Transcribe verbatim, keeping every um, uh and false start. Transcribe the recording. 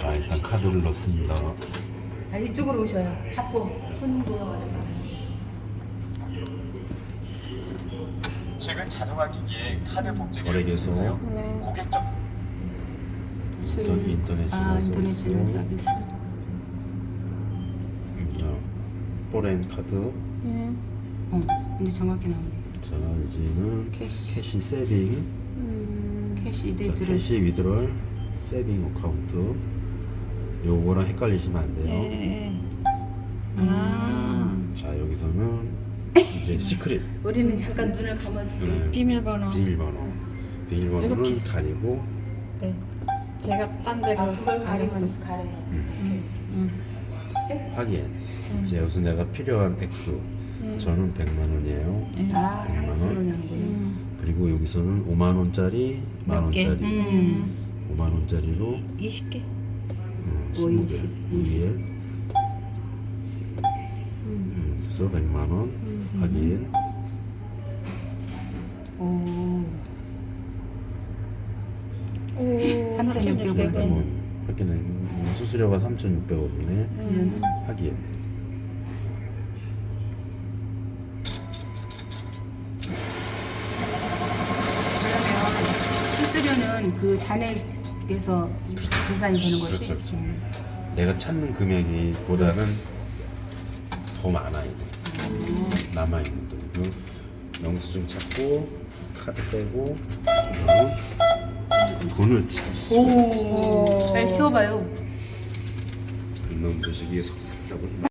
자, 일단 카드를 넣습니다. 아, 이쪽으로 오셔요. 받고 손님 모여가지고. 최근 자동화 기기에 카드 복제기를 거래계소. 붙이고요. 네. 고객적 인터넷 인터내셔널 아, 서비스. 인터내셔널 서비스. 어, 포렌 카드. 네. 어, 이제 정확히 나오네. 자, 이제는 캐시. 캐시 세빙. 음. 캐시 자, 이데이트를. 캐시 위드럴 세빙 어카운트. 요거랑 헷갈리시면 안 돼요. 네. 아. 자, 여기서는 이제 시크릿. 우리는 잠깐 눈을 감아주고. 네, 비밀번호. 비밀번호. 비밀번호는 이렇게. 가리고. 네. 제가 딴 데로 아, 그걸 가렸어. 가리면 가려야지. 음. 확인. 이제 여기서 내가 필요한 액수. 저는 백만 원이에요. 아, 백만 원. 그러냐고. 음. 그리고 여기서는 오만 원짜리, 만 몇 개? 원짜리. 음. 오만 원짜리로 이십 개. 음, 오, 스무 개. 이십, 이에 음, 그래서 백만 원 확인. 오. 오. 삼천육백 원. 원. 확인해. 음, 수수료가 삼천육백 원이네. 음. 확인. 그러면 수수료는 그 잔액에서 계산이 되는 거지? 그렇죠, 그렇죠. 내가 찾는 금액이 보다는 더 많아 이거. 남아 있는 돈. 그 영수증 찾고 카드 빼고 그다음 돈을 차. 오. 빨리 씌워봐요. 이놈 주식이 속삭이다 보니.